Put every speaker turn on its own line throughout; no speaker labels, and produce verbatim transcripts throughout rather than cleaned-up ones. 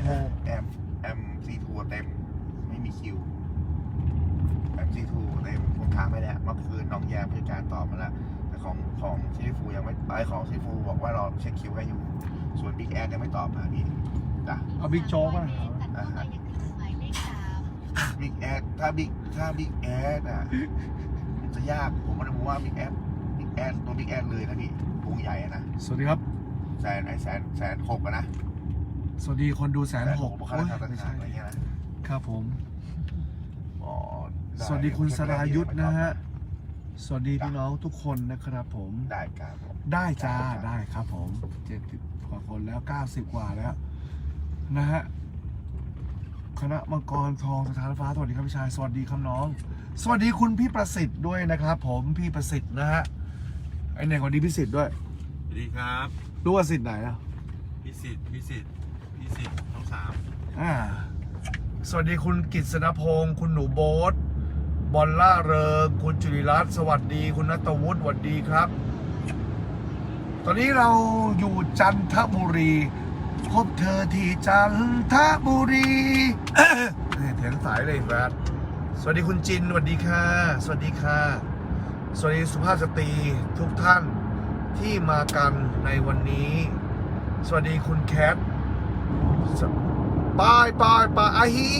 แอมแอมซีทูเต็มไม่มีคิวแอมซีทูเต็มผมถามไปแล้วเมื่อคืนน้องแยมผู้จัดการตอบมาแล้วแต่ของของซีฟูยังไม่ไอของซีฟูบอกว่าเราเช็คคิวให้อยู่ส่วนบิ๊กแอดยังไม่ตอบมาพี่จ้ะ
เอาบิ๊กโจ๊กป่ะ
บิ๊กแอดถ้าบิ๊กถ้าบิ๊กแอดอ่ะจะยากผมก็เลยมองว่าบิ๊กแอดบิ๊กแอดตัวบิ๊กแอดเลยนะพี่วงใหญ่นะ
สวัสดีครับ
แสนไอแสนแสนหกอะนะ
สวัสดีคนดูแสนหก
ค่าราชการต่างๆอะไรเงี้ยนะครับ
ผม
อ๋อไ
สวัสดีคุณสรายุทธนะฮะสวัสดีพี่น้องทุกคนนะครับผม
ได้ครับผม
ได้จ้าได้ครับผมเจ็ดสิบกว่าคนแล้วเก้าสิบกว่าแล้วนะฮะคณะมังกรทองสถานฟ้าสวัสดีครับพี่ชายสวัสดีครับน้อง สวัสดีคุณพี่ประสิทธิ์ด้วยนะครับผมพี่ประสิทธิ์นะฮะไอเนี่ยคนนี้พี่สิทธิ์ด้วย
สวัสดีครับ
รู้ว่าสิทธิ์ไหนอ่ะ
พิสิทธิ์พิสิทธิ์พิสิทธิ์ทั้งสาม
อ่าสวัสดีคุณกิษณพงศ์คุณหนูโบ๊ทบอลล่าเริงคุณจุลิรัตน์สวัสดีคุณณัฐวุฒิสวัสดีครับ ตอนนี้เราอยู่จันทบุรีพบเธอที่จันทบุรีเถียงสายเลยแฟนสวัสดีคุณจินสวัสดีค่ะสวัสดีค่ะสวัสดีสุภาพสตรีทุกท่านที่มากันในวันนี้ สวัสดีคุณแคทปายปายปายอาฮี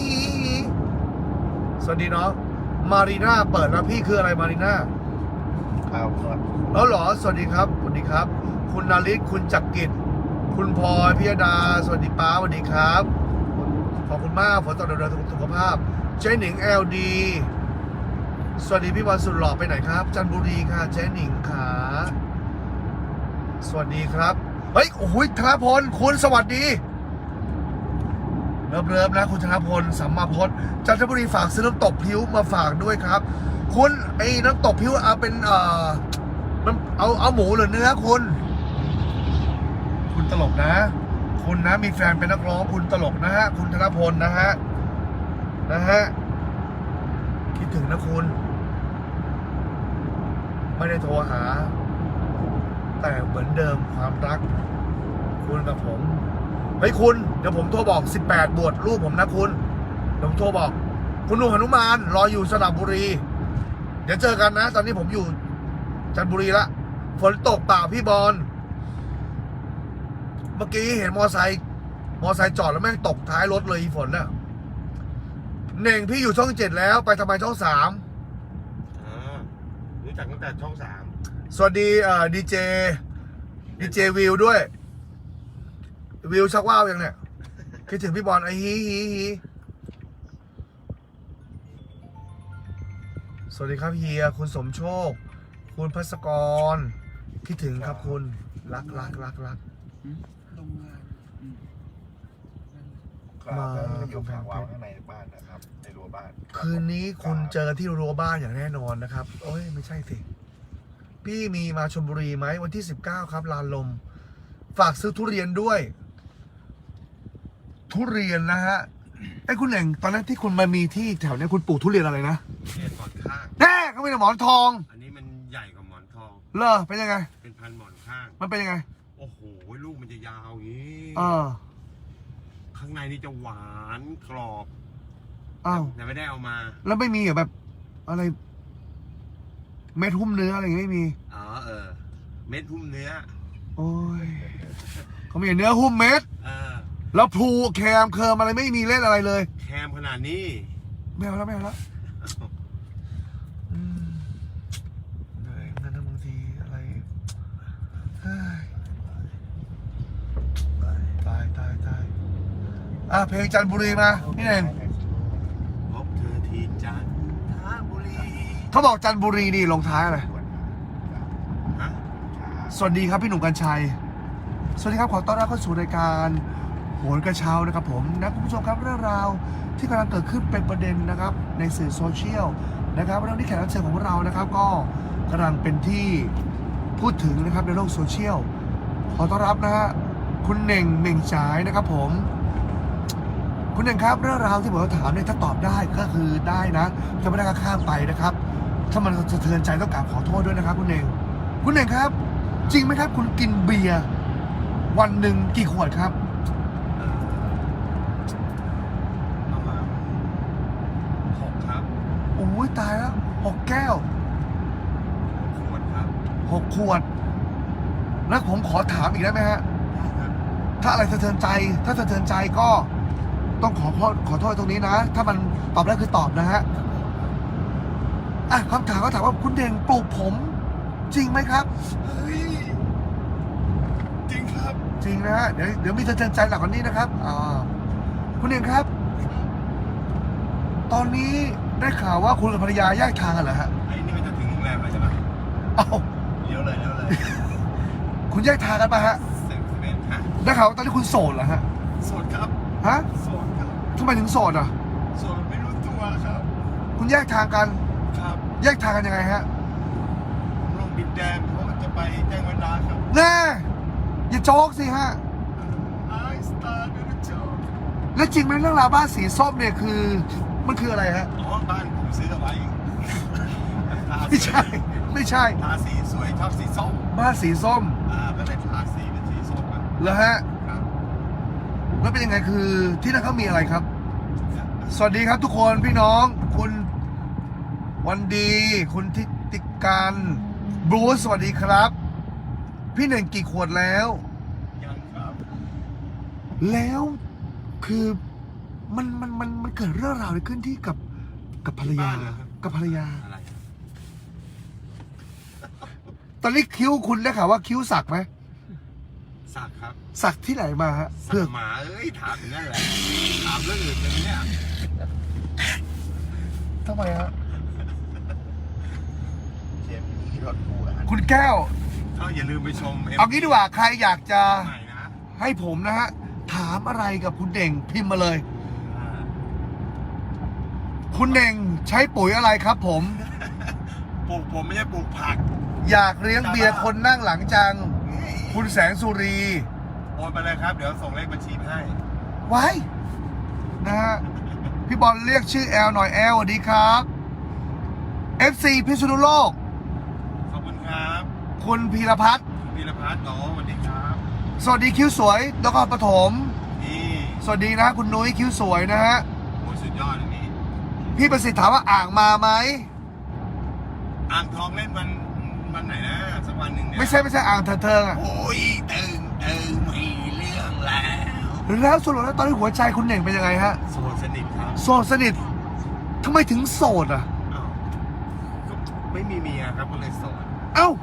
สวัสดีเนาะมารีน่าเปิดแล้วพี่คืออะไรมารีน่า
ครับครับ
แล้วเหรอสวัสดีครับสวัสดีครับ คุณนาริศคุณจักริดคุณพลอยพิยดาสวัสดีป้าสวัสดีครับขอบคุณมากฝนตกดูแลสุขภาพเจ๊หนิงเอลดีสวัสดีพี่บอลสุดหล่อไปไหนครับจันทบุรีค่ะเจ๊หนิงขาสวัสดีครับเฮ้ยโอ้โหธนพลคุณสวัสดีเริ่มเริ่มนะคุณธนพลสัมมาพจน์จันทบุรีฝากซื้อน้ำตกพิ้วมาฝากด้วยครับคุณไอ้น้ำตกพิ้วเอาเป็นเอ่อน้ำเอาเอาหมูหรือเนื้อคุณคุณตลกนะคุณนะมีแฟนเป็นนักร้องคุณตลกนะฮะคุณธนพลนะฮะนะฮะคิดถึงนะคุณไม่ได้โทรหาแต่เหมือนเดิมความรักคุณกับผมเฮ้ยคุณเดี๋ยวผมโทรบอกสิบแปดบวชลูกผมนะคุณเดี๋ยวผมโทรบอกคุณหนุ่มหนุมานรออยู่สระบุรีเดี๋ยวเจอกันนะตอนนี้ผมอยู่จันทบุรีละฝนตกเปล่าพี่บอลเมื่อกี้เห็นมอไซค์มอไซค์จอดแล้วแม่งตกท้ายรถเลยฝนน่ะเน่งพี่อยู่ช่องเจ็ดแล้วไปทำไมช่องสาม
อ่ารู้จักตั้งแต่ช่องสาม
สวัสดีเอ่อดีเจดีเจวิวด้วยวิวชักว่าวยังเนี่ยคิดถึงพี่บอลไอ้ฮีฮีฮีสวัสดีครับเฮียคุณสมโชคคุณพัสกรคิดถึงครับคุณรักรักรักรัก
ครับแล้วจะอยู่ข้างวางข้างในบ้านนะครับในรั้วบ้าน
คืนนี้คุณเจอที่รั้วบ้านอย่างแน่นอนนะครับโอ้ยไม่ใช่สิพี่มีมาชลบุรีไหมวันที่สิบเก้าครับลานลมฝากซื้อทุเรียนด้วยทุเรียนนะฮะไอ้คุณเองตอนนั้นที่คุณมามีที่แถวนี้คุณปลูกทุเรียนอะไรนะ
เรียนหมอนข้าง
แน่เขาเป็นหมอนทอง
อันนี้มันใหญ่กว่าหมอนทอง
เหรอเป็นยังไง
เป็นพันหมอนข้าง
มันเป็นยังไง
โอ้โหลูกมันจะยาวอย่างนี้
เออ
ข้างในนี่จะหวานกรอบ
อ้าว
แต่ไม่ได้เอามา
แล้วไม่มีเหรอแบบอะไรเม็ดหุ้มเนื้ออะไรอย่างเงี้ยไม่มี
อ๋อเออ เม็ดหุ้มเนื้อ
โอ้ยเขามีเนื้อหุ้มเม็ด
เออ
แล้วพลูแคมเคิร์มอะไรไม่มีเล่นอะไรเลย
แคมขนาดนี้
ไม่เอาแล้วไม่เอาแล้วอืมเหนื่อยเหมือนกันนะบางทีอะไรเฮ้ยตายตายตายอ่ะเพลงจันทบุรีมาพี่เน่ง
พบเธอที่จันทบุรี
เขาบอกจันทบุรีนี่ลงท้ายอะไร
ฮะ
สวัสดีครับพี่หนุ่มกัญชัยสวัสดีครับขอต้อนรับเข้าสู่รายการโหนกระเช้านะครับผมนะคุณผู้ชมครับเรื่องราวที่กำลังเกิดขึ้นเป็นประเด็นนะครับในสื่อโซเชียลนะครับเรื่องที่แขกรับเชิญของเรานะครับก็กำลังเป็นที่พูดถึงนะครับในโลกโซเชียลขอต้อนรับนะฮะคุณเน่งเม่งฉายนะครับผมคุณเน่งครับเรื่องราวที่ผมจะถามเนี่ยถ้าตอบได้ก็คือได้นะถ้าไม่ได้ก็ข้ามไปนะครับถ้ามันสะเทือนใจต้องกราบขอโทษด้วยนะครับคุณเน่งคุณเน่งครับจริงไหมครับคุณกินเบียร์วันหนึ่งกี่ขวดครับ
เออ
แก้ว
ขวดครับ
หกขวด แล้วผมขอถามอีกได้ไหมฮะ
ได้ครับ
ถ้าอะไรสะเทือนใจ ถ้าสะเทือนใจก็ต้องขอโทษขอโทษตรงนี้นะ ถ้ามันตอบได้คือตอบนะฮะ อ่ะคำถามก็ถามว่าคุณเด่งปลูกผม จริงไหมครับ
เฮ้ยจริงครับ
จริงนะฮะ เดี๋ยวเดี๋ยวมีสะเทือนใจหลักกว่านี้นะครับอ่าคุณเด่งครับ ตอนนี้ได้ข่าวว่าคุณกับภรรยาแยกทางกันเหรอฮะ
ไอ้นี่มันจะถึงโรงแรมแล้วใช่ไหม
เอ้า
เลี้ยวเลยเลี้ยวเลย
คุณแยกทางกันปะฮะ
เซ็นเมนต์ฮะ
ได้ข่าวว่าตอนนี้คุณโสดเหรอฮะ
โสดครับ
ฮะ
โสดครับ
ทำไมถึงโสดอ่ะ
โสดไม่รู้ตัวครับ
คุณแยกทางกัน
ครับ
แยกทางกันยังไงฮะ
ผมลงดินแดงเพราะมันจะไปแจ้งวัฒนะครับ
แน่อย่าโจ๊กสิฮะ
ไอสตาร์เดนจอ
และจริงไหมเรื่องราวบ้านสีส้มเนี่ยคือ มันคืออะไรฮะ
อ๋อบ้านผมซื้อเอาไว้ทา
ไม่ใช่ ไม่ใช่
ทาสีสวยชอบสีส้ม
บ้านสีส้ม
อ่าก็เลยทาสีเป็นสีส้มอะ
เหรอฮะ
ครับ
แล้วเป็นยังไงคือที่นั่นเขามีอะไรครับ สวัสดีครับทุกคนพี่น้อง คุณวันดี คุณทิติการบรูซสวัสดีครับ พี่หนึ่งกี่ขวดแล้ว
ยังครับ
แล้วคือมันมันมันมันเกิดเรื่องราวอะไรขึ้นที่กับกับภรรยา กับภรรยา
อะไร
ตอนนี้คิ้วคุณได้ข่าวว่าคิ้วสักไหม
สักครับ
สักที่ไหนมาฮะ
สั
เพื่อก
หมาเอ้ยถามอย่างนั้นแหละถามเรื่องอื่นเลยเนี่ย
ทำไมฮะ
เชฟมีรถปูอาหาร
คุณแก้ว
ก็อย่าลืมไปชม
เอางี้ดีกว่าใครอยากจะ
ใหม่นะ
ให้ผมนะฮะ ถามอะไรกับคุณเด่งพิมพ์มาเลย
อ่า
คุณเด่งใช้ปุ๋ยอะไรครับผม
ปลูกผมไม่ใช่ปลูกผัก
อยากเลี้ยงเบียร์คนนั่งหลังจัง คุณแสงสุรี
โอนไปเลยครับ เดี๋ยวส่งเลขบัญชีให้
ไว้นะฮะ พี่บอลเรียกชื่อแอลหน่อยแอลสวัสดีครับ เอฟ ซี พิษณุโลก
ขอบคุณครับ
คุณพีรพัฒน์
คุณพีรพัฒน์โอ้สวัสดีครับ
สวัสดีคิ้วสวยนครปฐม
นี่
สวัสดีนะคุณนุ้ยคิ้วสวยนะฮะ
โอ้สุดยอดอันนี้
พี่ประสิทธิ์ถามว่าอ่างมาไหม
อ่างทองเล่นวันวันไหนนะสักวันหนึ่งเนี่ย
ไม่ใช่ไม่ใช่อ่างเถิดเทิงอ่ะ
โอ้ยตึงตึงมีเรื่องแล้ว
แล้วสรุปแล้วตอนนี้หัวใจคุณเด่งเป็นยังไงฮะ
โสดสนิทครับ
โสดสนิททำไมถึงโสดอ่ะ
อ้าวก็ไม่มีเมียครับก็เลยโสด
เอ้า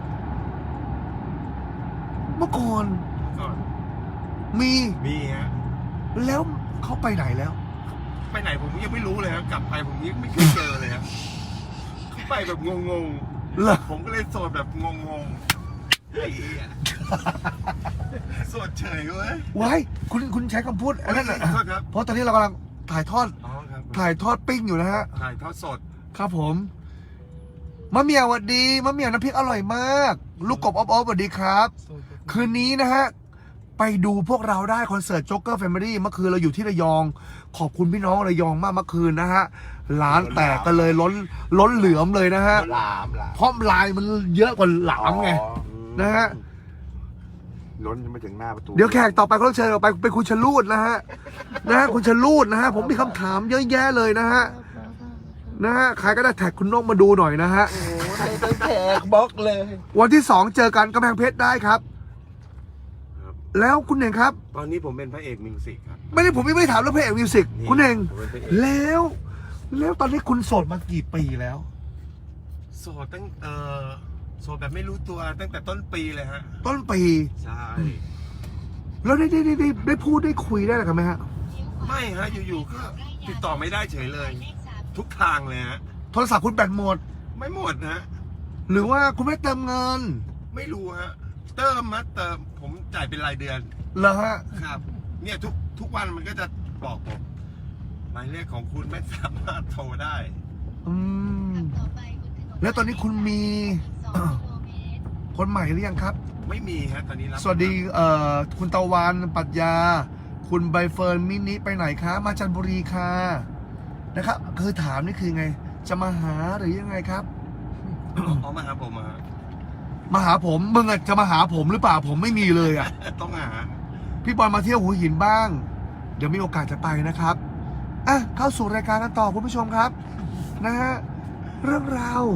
เมื่อก่อน
ก็
มี
มีฮะ
แล้วเขาไปไหนแล้ว
ไปไหนผมยังไม่รู้เลยครับกลับไปผมยังไม่เคยเจอเลยครับเขาไปแบบงง
เหรอ
ๆผมก็เลยโสดแบบงงๆไอ้เหี้ยโสดเฉยเว้ย
ไว้คุณคุณใช้คำพูดอันนั้นน่ะ
ขอโทษครับ
เพราะตอนนี้เรากำลังถ่ายทอด
อ๋อครับ
ถ่ายทอดปิ้งอยู่นะฮะ
ถ่ายทอดสด
ครับผมมะเหมี่ยวสวัสดีมะเหมี่ยวน้ำพริกอร่อยมาก ลูกกบอ๊อบอ๊อบสวัสดีครับ คืนนี้นะฮะ ไปดูพวกเราได้คอนเสิร์ตโจ๊กเกอร์แฟมิลี่เมื่อคืนเราอยู่ที่ระยอง ขอบคุณพี่น้องระยองมากเมื่อคืนนะฮะร้านแตกกันเลยล้นล้นเหลือมเลยนะฮะ
หลามหลาม
เพราะลายมันเยอะกว่าหลามไง
อ๋อ
นะฮะ
ล้นจนมาถึงหน้าประตู
เดี๋ยวแขกต่อไปก็ต้องเชิญออกไปเป็นคุณชลูดนะฮะนะฮะคุณชลูดนะฮะผมมีคำถามเยอะแยะเลยนะฮะนะฮะใครก็ได้แท็กคุณนกมาดูหน่อยนะฮะ
โอ้ในตั้งแขกบล็อกเลย
วันที่สองเจอกันกำแพงเพชรได้ครับ
ครับ
แล้วคุณเองครับ
ตอนนี้ผมเป็นพระเอกมิวสิกครับ
ไม่ได้ผมไม่ได้ถามเรื่องเพลงมิวสิก
นี่
คุณเอง
ผมเป็นพระเอก
แล้ว แล้วตอนนี้คุณโสดมากี่ปีแล้ว
โสดตั้งเอ่อโสดแบบไม่รู้ตัวตั้งแต่ต้นปีเลยฮะ
ต้นปี
ใช่
แล้วได้ได้ได้ได้ได้พูดได้คุยได้หรือกันไหมฮะ
ไม่ฮะอยู่ๆก็ติดต่อไม่ได้เฉยเลย ทุกทางเลยฮะ
โทรศัพท์คุณแบตหมด
ไม่หมดนะ
หรือว่าคุณไม่ได้เติมเงิน
ไม่รู้ฮะเติมมาเติมผมจ่ายเป็นรายเดือน
เหรอฮะ
ครับ เนี่ยทุกทุกวันมันก็จะบอกผมหมายเลขของคุณไม่สามารถโทรได้
อืมแล้วตอนนี้คุณมี คนใหม่หรือยังครับ
ไม่มีฮะตอนนี้รับ
สวัสดีเอ่อคุณตะวันปรัชญา คุณใบเฟิร์นมินิไปไหนคะมาจันทบุรีค่ะนะครับคือถามนี่คือไง จะมาหาหรือยังไงครับ
เอามาหาผมมา
มาหาผมมึงอะจะมาหาผมหรือเปล่าผมไม่มีเลยอ่ะ
ต้องหา
พี่บอลมาเที่ยวหัวหินบ้าง เดี๋ยวมีโอกาสจะไปนะครับอ่ะเข้าสู่รายการกันต่อคุณผู้ชมครับ นะฮะเรื่องราว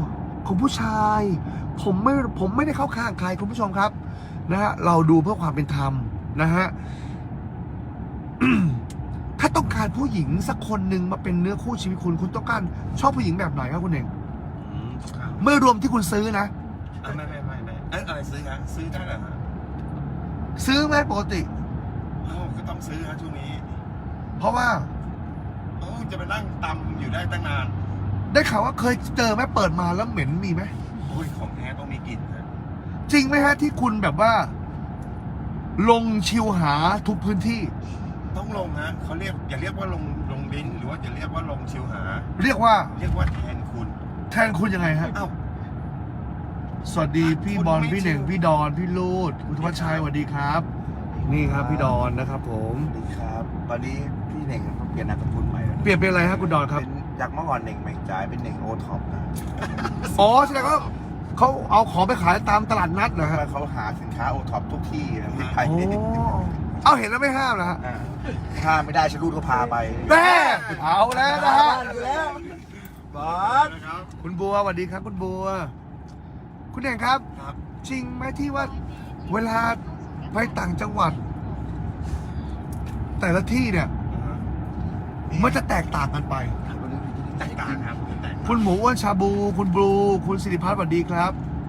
ของผู้ชาย ผมไม่ผมไม่ได้เข้าข้างใครคุณผู้ชมครับนะฮะเราดูเพื่อความเป็นธรรมนะฮะ ถ้าต้องการผู้หญิงสักคนหนึ่งมาเป็นเนื้อคู่ชีวิตคุณคุณต้องการชอบผู้หญิงแบบไหนครับคุณเอง
อืมครับ
เมื่อรวมที่คุณซื้อนะ
อ่ะไม่ไม่ไม่ไม่เอ้ยอะไรซื้อฮะซื้อได้เหรอฮะ
ซื้อไหมปกติ
เอ้าก็ต้องซื้อฮะช่วงนี้
เพราะว่า
โอ้จะไปนั่งตำอยู่ได้ตั้งนาน
ได้ข่าวว่าเคยเจอไหมเปิดมาแล้วเหม็นมีไหม
โอ้ยของแท้ต้องมีกลิ่นฮะ
จริงไหมฮะที่คุณแบบว่า ลงชิวหาทุกพื้นที่
ต้องลงฮะเขาเรียกอย่าเรียกว่าลงลงลิ้นหรือว่าอย่าเรียกว่าลงชิวหา
เรียกว่า
เรียกว่าแทนคุณ
แทนคุณยังไงฮะ
เอ้า
สวัสดีพี่บอล
คุณไม่
พี่เหน่ง
ชิว
พี่ดอนพี่ลูดคุณธวัชชัยสวัสดีครับ นี่ครับพี่ดอนนะครับ ผม
สวัสดีครับ ตอนนี้พี่เหน่งเขาเปลี่ยนนามสกุลใหม่แล้วนะ
เปลี่ยนเป็นอะไรครับคุณดอนครับ
เป็นจากเมื่อก่อนเหน่งแม่งจ่ายเป็นเหน่งโอท็อปนะ
อ๋อแสดงว่าเขาเอาของไปขายตามตลาดนัดเหรอ
ทำ
ฮะ
ไมเขาหาสินค้าโอท็อปทุกที่นะที่ไทย
โอ้เอาเห็นแล้วไม่ห้ามนะฮะ
อ่าถ้าไม่ได้ชะลูดก็พาไป
แม่เอาแล้วนะฮะ
บอส
นะครับ
คุณบัวสวัสดีครับ คุณบัว คุณเองครับ
ครับ
จริงไหมที่ว่าเวลาไปต่างจังหวัด แต่ละที่เนี่ย มันจะแตกต่างกันไป
แตกต่างครับแตกต่าง
คุณหมูอ้วนชาบู คุณบลู คุณสิริพัฒน์สวัสดีครับ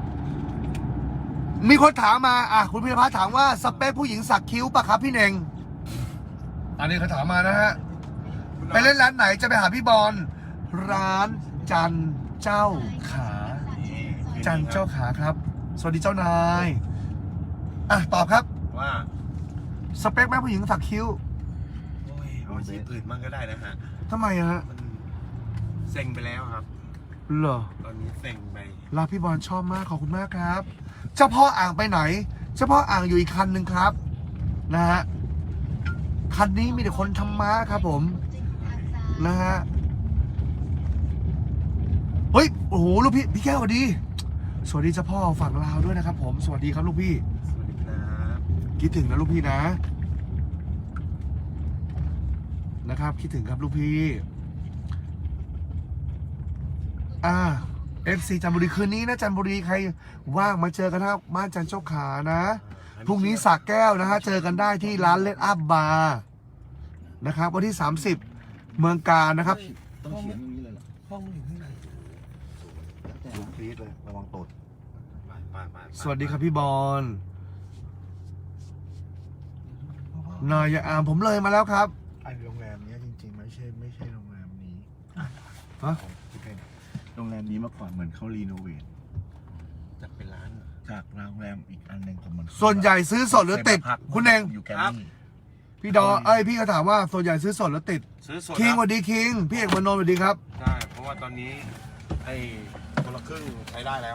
มีคนถามมา อ่ะ คุณพิรพัฒน์ถามว่าสเปคผู้หญิงสักคิ้วปะครับพี่เน่ง อันนี้เขาถามมานะฮะ ไปเล่นร้านไหนจะไปหาพี่บอล ร้านจันเจ้าขา จันเจ้าขาครับ สวัสดีเจ้านาย อ่ะ ตอบครับ
ว่า
สเปคแม่ผู้หญิงสักคิ้ว
โอ้ยเอาอาชีพอื่นมั่งก็ได้นะฮะ
ทำไมอะฮะ
มันเซ็งไปแล้วครับ
เหรอ
ตอนนี้เซ็งไป
รักพี่บอลชอบมากขอบคุณมากครับ เจ้าพ่ออ่างไปไหน เจ้าพ่ออ่างอยู่อีกคันหนึ่งครับ นะฮะ คันนี้มีแต่คนทำม้าครับผม นะฮะ เฮ้ย โอ้โห ลูกพี่ พี่แก้วสวัสดี สวัสดีเจ้าพ่อฝั่งลาวด้วยนะครับผม สวัสดีครับลูกพี่
สวัสดีครับ
คิดถึงนะลูกพี่นะ นะครับ คิดถึงครับลูกพี่ อ่า เอฟ ซี จันทบุรีคืนนี้นะจันทบุรีใครว่างมาเจอกันนะครับบ้านจันเจ้าขานะพรุ่งนี้สากแก้วนะฮะเจอกันได้ที่ร้านเลดอัพบาร์นะครับวันที่สามสิบเมืองการนะครับ
ต้องเขียนอย่างนี้เลยเหรอ
ห้องมันอยู่ที่ไหน
สูงคลีดเลยระวังตด
ไปไปไปไป
สวัสดีครับพี่บอลนายอามผมเลยมาแล้วครับ
ไอโรงแรมเนี้ยจริงๆไม่ใช่ไม่ใช่โรงแรมนี้
ฮะ
ของที่เป็นโรงแรมนี้เมื่อก่อนเหมือนเขารีโนเวท
จัดเป็นร้านเหรอ
จากโรงแรมอีกอันหนึ่งของมัน
ส่วนใหญ่ซื้อสดหรือติด คุณเอง
อยู่แกรมมี่
พี่ดอเอ้ยพี่ก็ถามว่าส่วนใหญ่ซื้อสดหรือติด
ซื้อสด
คิงส
รับ
วัสดีคิงพี่เอกมานนท์สวัสดีครับ
ใช่เพราะว่าตอนนี้ไอ้คนละครึ่งใช้ได้แล้ว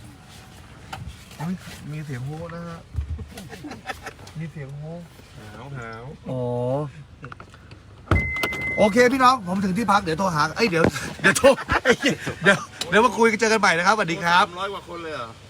มีเสียงโฮนะฮะมีเสียงโฮ
หาวหาว
อ๋อโอเคพี่น้องผมถึงที่พักเดี๋ยวโทรหาเอ้ยเดี๋ยวเดี๋ยวโทรเดี๋ยวเดี๋ยวมาคุยกันเจอกันใหม่นะครับสวัสดีครับ
ร้อยกว่าคนเลยเหรอ